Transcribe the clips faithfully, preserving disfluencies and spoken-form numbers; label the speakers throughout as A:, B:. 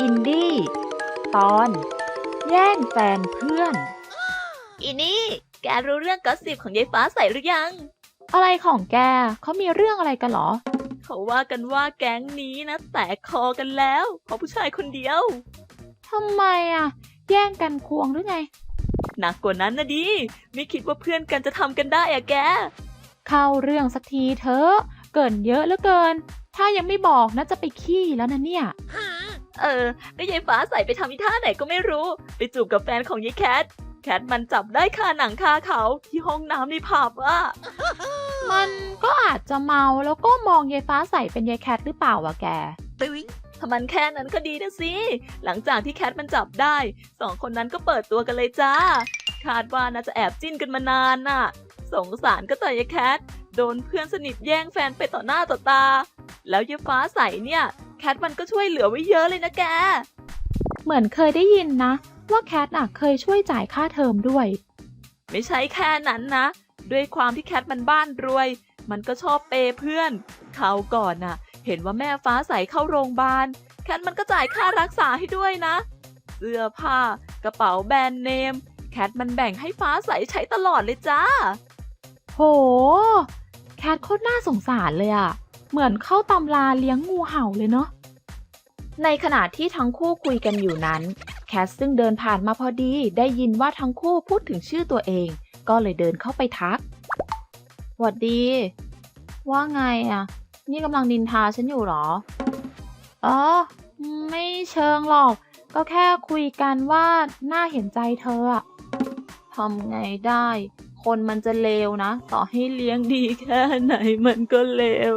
A: อินดี้ตอนแย่งแฟนเพื่อน
B: อีนี่แกรู้เรื่องกอสซิปของยายฟ้าใสหรือยัง
A: อะไรของแกเขามีเรื่องอะไรกันหรอ
B: เขาว่ากันว่าแก๊งนี้นะแตกคอกันแล้วเพราะผู้ชายคนเดียว
A: ทำไมอ่ะแย่งกันควงหรือไง
B: หนักกว่านั้นนะดิไม่คิดว่าเพื่อนกันจะทำกันได้อะแก
A: เข้าเรื่องสักทีเถอะเกินเยอะเหลือเกินถ้ายังไม่บอกนะจะไปขี้แล้วนะเนี่ย
B: เออก็ยายฟ้าใสไปทำอีท่าไหนก็ไม่รู้ไปจูบกับแฟนของยายแคทแคทมันจับได้คาหนังคาเขาที่ห้องน้ำในผับอ่ะ
A: มันก็อาจจะเมาแล้วก็มองยายฟ้าใสเป็นยายแคทหรือเปล่าวะแก
B: ตึ้งถ้ามันแค่นั้นก็ดีนะสิหลังจากที่แคทมันจับได้สองคนนั้นก็เปิดตัวกันเลยจ้าคาดว่าน่าจะแอบจิ้นกันมานานน่ะสงสารก็แต่ยายแคทโดนเพื่อนสนิทแย่งแฟนไปต่อหน้าต่อตาแล้วยายฟ้าใสเนี่ยแคทมันก็ช่วยเหลือไว้เยอะเลยนะแก
A: เหมือนเคยได้ยินนะว่าแคทอ่ะเคยช่วยจ่ายค่าเทอมด้วย
B: ไม่ใช่แค่นั้นนะด้วยความที่แคทมันบ้านรวยมันก็ชอบเปย์เพื่อนคราวก่อนน่ะเห็นว่าแม่ฟ้าใสเข้าโรงพยาบาลแคทมันก็จ่ายค่ารักษาให้ด้วยนะเสื้อผ้ากระเป๋าแบรนด์เนมแคทมันแบ่งให้ฟ้าใสใช้ตลอดเลยจ้า
A: โหแคทโคตรน่าสงสารเลยอะเหมือนเข้าตำราเลี้ยงงูเห่าเลยเนาะในขณะที่ทั้งคู่คุยกันอยู่นั้นแคทซึ่งเดินผ่านมาพอดีได้ยินว่าทั้งคู่พูดถึงชื่อตัวเองก็เลยเดินเข้าไปทักหวัดดีว่าไงอะนี่กำลังนินทาฉันอยู่หรออ๋อไม่เชิงหรอกก็แค่คุยกันว่าน่าเห็นใจเธออะทำไงได้คนมันจะเลวนะต่อให้เลี้ยงดีแค่ไหนมันก็เลว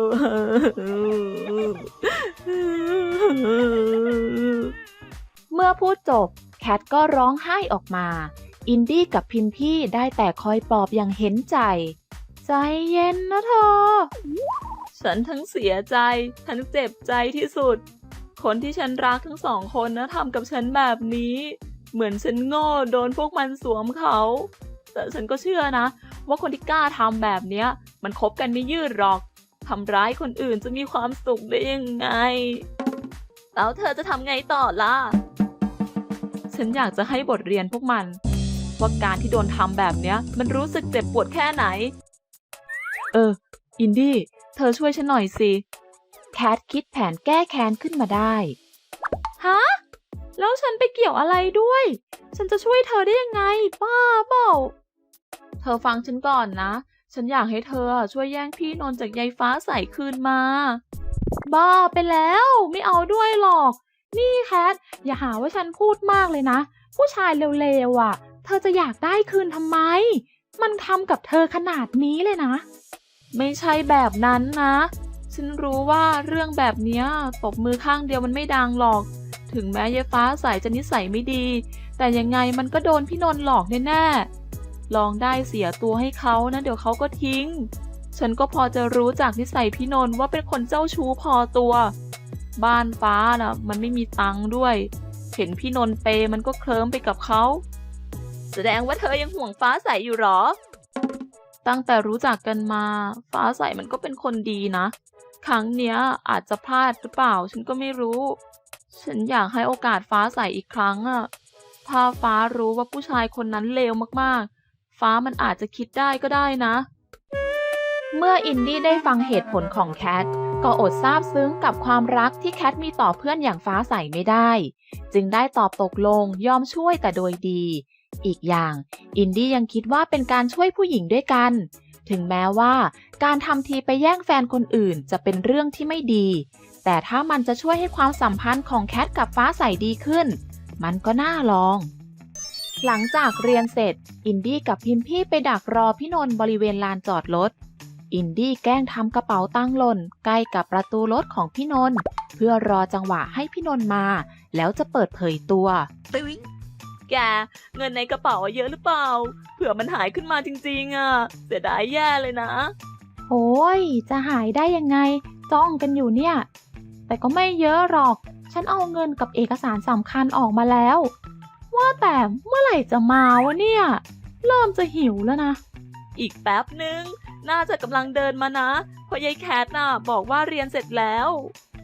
A: เมื่อพูดจบแคทก็ร้องไห้ออกมาอินดี้กับพิมพี่ได้แต่คอยปลอบอย่างเห็นใจใจเย็นนะเธอ
B: ฉันทั้งเสียใจทั้งเจ็บใจที่สุดคนที่ฉันรักทั้งสองคนนะทำกับฉันแบบนี้เหมือนฉันโง่โดนพวกมันสวมเขาแต่ฉันก็เชื่อนะว่าคนที่กล้าทำแบบเนี้ยมันคบกันไม่ยืดหรอกทำร้ายคนอื่นจะมีความสุขได้ยังไงแล้วเธอจะทำไงต่อล่ะฉันอยากจะให้บทเรียนพวกมันว่าการที่โดนทำแบบเนี้ยมันรู้สึกเจ็บปวดแค่ไหนเอออินดี้เธอช่วยฉันหน่อยสิ
A: แคทคิดแผนแก้แค้นขึ้นมาได้
B: ฮะแล้วฉันไปเกี่ยวอะไรด้วยฉันจะช่วยเธอได้ยังไงบ้าเปล่าเธอฟังฉันก่อนนะฉันอยากให้เธอช่วยแย่งพี่นนท์จากยายฟ้าใสคืนมา
A: บ้าไปแล้วไม่เอาด้วยหรอกนี่แคทอย่าหาว่าฉันพูดมากเลยนะผู้ชายเร็วๆอ่ะเธอจะอยากได้คืนทำไมมันทำกับเธอขนาดนี้เลยนะ
B: ไม่ใช่แบบนั้นนะฉันรู้ว่าเรื่องแบบเนี้ยตบมือข้างเดียวมันไม่ดังหรอกถึงแม้ยายฟ้าใสจะนิสัยไม่ดีแต่ยังไงมันก็โดนพี่นนท์หลอกแน่ๆลองได้เสียตัวให้เขานะเดี๋ยวเขาก็ทิ้งฉันก็พอจะรู้จากนิสัยพี่นนท์ว่าเป็นคนเจ้าชู้พอตัวบ้านฟ้าน่ะมันไม่มีตังค์ด้วยเห็นพี่นนท์เปมันก็เคลิ้มไปกับเขาแสดงว่าเธอยังห่วงฟ้าใสอยู่หรอตั้งแต่รู้จักกันมาฟ้าใสมันก็เป็นคนดีนะครั้งเนี้ยอาจจะพลาดหรือเปล่าฉันก็ไม่รู้ฉันอยากให้โอกาสฟ้าใสอีกครั้งอะถ้าฟ้ารู้ว่าผู้ชายคนนั้นเลวมากๆฟ้ามันอาจจะคิดได้ก็ได้นะ
A: เมื่ออินดี้ได้ฟังเหตุผลของแคทก็อดซาบซึ้งกับความรักที่แคทมีต่อเพื่อนอย่างฟ้าใสไม่ได้จึงได้ตอบตกลงยอมช่วยแต่โดยดีอีกอย่างอินดี้ยังคิดว่าเป็นการช่วยผู้หญิงด้วยกันถึงแม้ว่าการทำทีไปแย่งแฟนคนอื่นจะเป็นเรื่องที่ไม่ดีแต่ถ้ามันจะช่วยให้ความสัมพันธ์ของแคทกับฟ้าใสดีขึ้นมันก็น่าลองหลังจากเรียนเสร็จอินดี้กับพิมพี่ไปดักรอพี่นนท์บริเวณลานจอดรถอินดี้แกล้งทำกระเป๋าตังค์หล่นใกล้กับประตูรถของพี่นนท์เพื่อรอจังหวะให้พี่นนท์มาแล้วจะเปิดเผยตัว
B: แกเงินในกระเป๋าเยอะหรือเปล่าเผื่อมันหายขึ้นมาจริงๆอ่ะเสียดายแย่เลยนะ
A: โอ้ยจะหายได้ยังไงจ้องกันอยู่เนี่ยแต่ก็ไม่เยอะหรอกฉันเอาเงินกับเอกสารสำคัญออกมาแล้วว่าแต่เมื่อไหร่จะมาวะเนี่ยเริ่มจะหิวแล้วนะ
B: อีกแป๊บนึงน่าจะกำลังเดินมานะเพราะยายแคทน่ะบอกว่าเรียนเสร็จแล้ว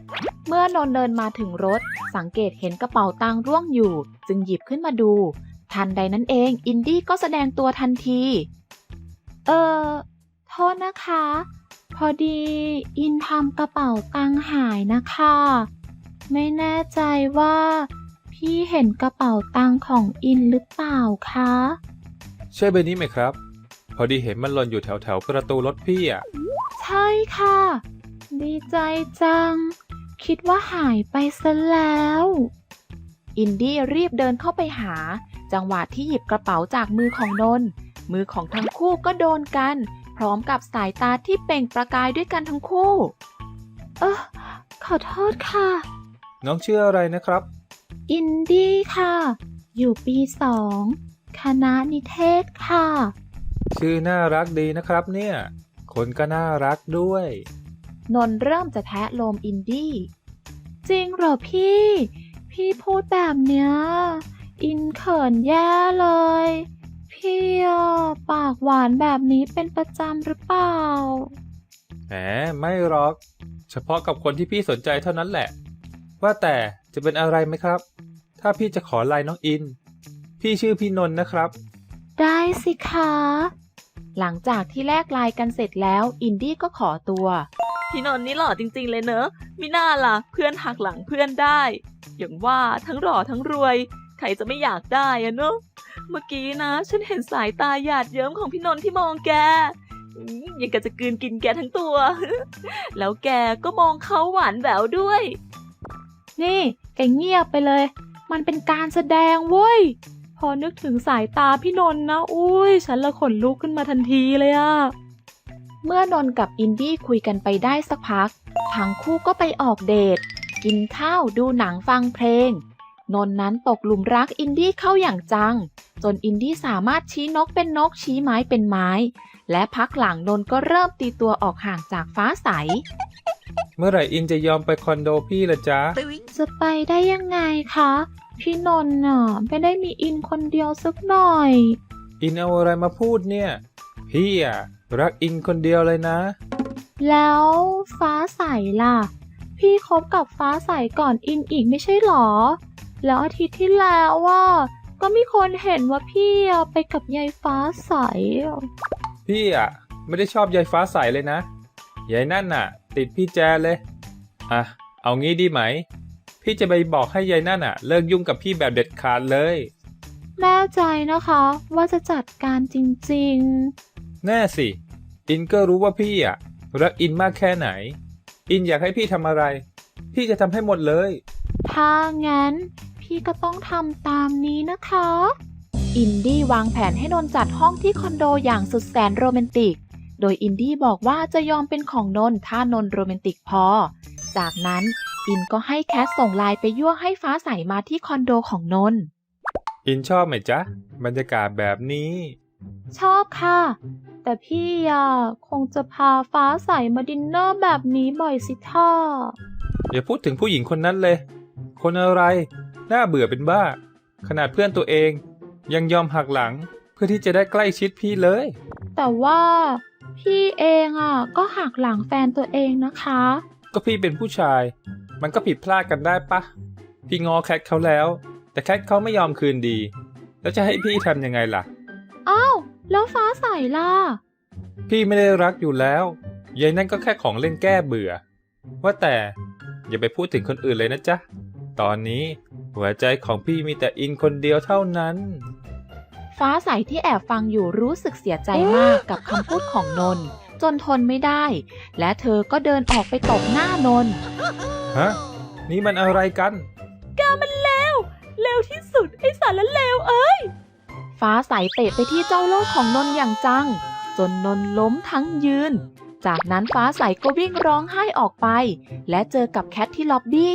A: เมื่อนนท์เดินมาถึงรถสังเกตเห็นกระเป๋าตังค์ร่วงอยู่จึงหยิบขึ้นมาดูทันใดนั้นเองอินดี้ก็แสดงตัวทันทีเออโทษนะคะพอดีอินทำกระเป๋าตังค์หายนะคะไม่แน่ใจว่าพี่เห็นกระเป๋าตังค์ของอินหรือเปล่าคะ
C: ใช่ใบนี้ไหมครับพอดีเห็นมันหล่นอยู่แถวแถวประตูรถพี่อ่ะ
A: ใช่ค่ะดีใจจังคิดว่าหายไปซะแล้วอินดี้รีบเดินเข้าไปหาจังหวะที่หยิบกระเป๋าจากมือของนนท์มือของทั้งคู่ก็โดนกันพร้อมกับสายตาที่เปล่งประกายด้วยกันทั้งคู่เออขอโทษค่ะ
C: น้องชื่ออะไรนะครับ
A: อินดี้ค่ะอยู่ปีสองคณะนิเทศค่ะ
C: ชื่อน่ารักดีนะครับเนี่ยคนก็น่ารักด้วย
A: นนท์เริ่มจะแทะโลมอินดี้จริงเหรอพี่พี่พูดแบบเนี้ยอินเขินแย่เลยพี่ปากหวานแบบนี้เป็นประจำหรือเปล่า
C: แหมไม่หรอกเฉพาะกับคนที่พี่สนใจเท่านั้นแหละว่าแต่จะเป็นอะไรไหมครับถ้าพี่จะขอไลน์น้องอินพี่ชื่อพี่นนท์นะครับ
A: ได้สิคะหลังจากที่แลกไลน์กันเสร็จแล้วอินดี้ก็ขอตัว
B: พี่นนท์นี่หล่อจริงๆเลยเนอะมิน่าล่ะเพื่อนหักหลังเพื่อนได้อย่างว่าทั้งหล่อทั้งรวยใครจะไม่อยากได้อะเนอะเมื่อกี้นะฉันเห็นสายตาหยาดเยิ้มของพี่นนท์ที่มองแกยังกะจะกลืนกินแกทั้งตัว แล้วแกก็มองเขาหวานแหววด้วย
A: นี่แกเงียบไปเลยมันเป็นการแสดงเว้ยพอนึกถึงสายตาพี่นนท์นะอุ้ยฉันละขนลุกขึ้นมาทันทีเลยอะเมื่อนนท์กับอินดี้คุยกันไปได้สักพักทั้งคู่ก็ไปออกเดทกินข้าวดูหนังฟังเพลงนนท์นั้นตกหลุมรักอินดี้เข้าอย่างจังจนอินดี้สามารถชี้นกเป็นนกชี้ไม้เป็นไม้และพักหลังนนท์ก็เริ่มตีตัวออกห่างจากฟ้าใส
C: เมื่อไหร่อินจะยอมไปคอนโดพี่ละจ๊ะ
A: จะไปได้ยังไงคะพี่นนท์น่ะไม่ได้มีอินคนเดียวสักหน่อย
C: อินเอาอะไรมาพูดเนี่ยพี่อะรักอินคนเดียวเลยนะ
A: แล้วฟ้าใสล่ะพี่คบกับฟ้าใสก่อนอินอีกไม่ใช่หรอแล้วอาทิตย์ที่แล้วว่าก็มีคนเห็นว่าพี่ไปกับยายฟ้าใส
C: พี่อะไม่ได้ชอบยายฟ้าใสเลยนะยายนั่นน่ะติดพี่แจเลยอ่ะเอางี้ดีไหมพี่จะไปบอกให้ยายนั่นน่ะเลิกยุ่งกับพี่แบบเด็ดขาดเลย
A: แน่ใจนะคะว่าจะจัดการจริง
C: ๆแน่สิอินก็รู้ว่าพี่อ่ะรักอินมากแค่ไหนอินอยากให้พี่ทำอะไรพี่จะทำให้หมดเลย
A: ถ้างั้นพี่ก็ต้องทำตามนี้นะคะอินดี้วางแผนให้นนท์จัดห้องที่คอนโดอย่างสุดแสนโรแมนติกโดยอินดี้บอกว่าจะยอมเป็นของนนท์ถ้านนท์โรแมนติกพอจากนั้นอินก็ให้แคทส่งไลน์ไปยั่วให้ฟ้าใสมาที่คอนโดของนนท์
C: อินชอบไหมจ๊ะบรรยากาศแบบนี้
A: ชอบค่ะแต่พี่อ่ะคงจะพาฟ้าใสมาดินเนอร์แบบนี้บ่อยสิท่า
C: อย่าพูดถึงผู้หญิงคนนั้นเลยคนอะไรน่าเบื่อเป็นบ้าขนาดเพื่อนตัวเองยังยอมหักหลังเพื่อที่จะได้ใกล้ชิดพี่เลย
A: แต่ว่าพี่เองอ่ะก็หักหลังแฟนตัวเองนะคะ
C: ก็พี่เป็นผู้ชายมันก็ผิดพลาดกันได้ปะพี่งอแคทเขาแล้วแต่แคทเขาไม่ยอมคืนดีแล้วจะให้พี่ทำยังไงล่ะ
A: อ้าวแล้วฟ้าใสล่ะ
C: พี่ไม่ได้รักอยู่แล้วยายนั่นก็แค่ของเล่นแก้เบื่อว่าแต่อย่าไปพูดถึงคนอื่นเลยนะจ๊ะตอนนี้หัวใจของพี่มีแต่อินคนเดียวเท่านั้น
A: ฟ้าใสที่แอบฟังอยู่รู้สึกเสียใจมากกับคำพูดของนนท์จนทนไม่ได้และเธอก็เดินออกไปตบหน้านนท์
C: ฮะนี่มันอะไรกัน
B: กามันเลวเลวที่สุดไอ้สารเลวเอ้ย
A: ฟ้าใสเตะไปที่เจ้าโลกของนนท์อย่างจังจนนนท์ล้มทั้งยืนจากนั้นฟ้าใสก็วิ่งร้องไห้ออกไปและเจอกับแคทที่ล็อบบี้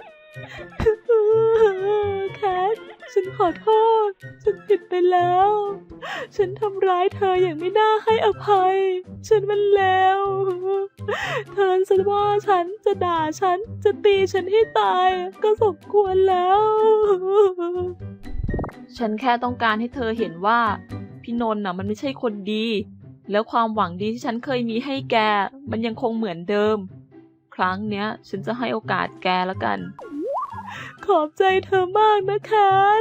B: แคทฉันขอโทษฉันผิดไปแล้วฉันทำร้ายเธออย่างไม่น่าให้อภัยฉันมันเลวเธอฉันว่าฉันจะด่าฉันจะตีฉันให้ตายก็สมควรแล้วฉันแค่ต้องการให้เธอเห็นว่าพี่นนท์น่ะมันไม่ใช่คนดีแล้วความหวังดีที่ฉันเคยมีให้แกมันยังคงเหมือนเดิมครั้งเนี้ย ฉันจะให้โอกาสแกแล้วกัน ขอบใจเธอมากนะแคท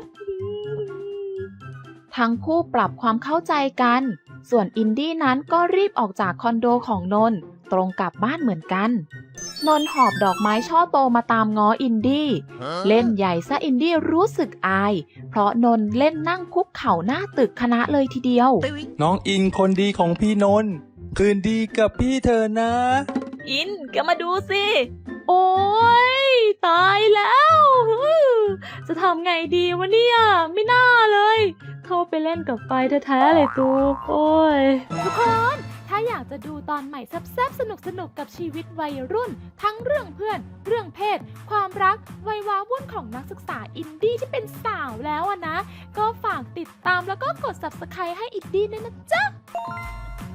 A: ทั้งคู่ปรับความเข้าใจกัน ส่วนอินดี้นั้นก็รีบออกจากคอนโดของนนท์ตรงกลับบ้านเหมือนกัน นนท์หอบดอกไม้ช่อโตมาตามง้ออินดี้ เล่นใหญ่ซะอินดี้รู้สึกอาย เพราะนนท์เล่นนั่งคุกเข่าหน้าตึกคณะเลยทีเดียว
D: น้องอินคนดีของพี่นนท์คืนดีกับพี่เธอนะ
B: อินแกมาดูสิ โอ้ยตายแล้ว จะทำไงดีวะเนี่ย ไม่น่าเลย เข้าไปเล่นกับไฟแท้ๆเลยตูโอ้ย
E: ทุกคน ถ้าอยากจะดูตอนใหม่แซ่บๆสนุกๆกับชีวิตวัยรุ่น ทั้งเรื่องเพื่อน เรื่องเพศ ความรัก วัยว้าวุ่นของนักศึกษาอินดี้ที่เป็นสาวแล้วอะนะ ก็ฝากติดตามแล้วก็กด ซับสไครบ์ ให้อินดี้ด้วยนะจ๊ะ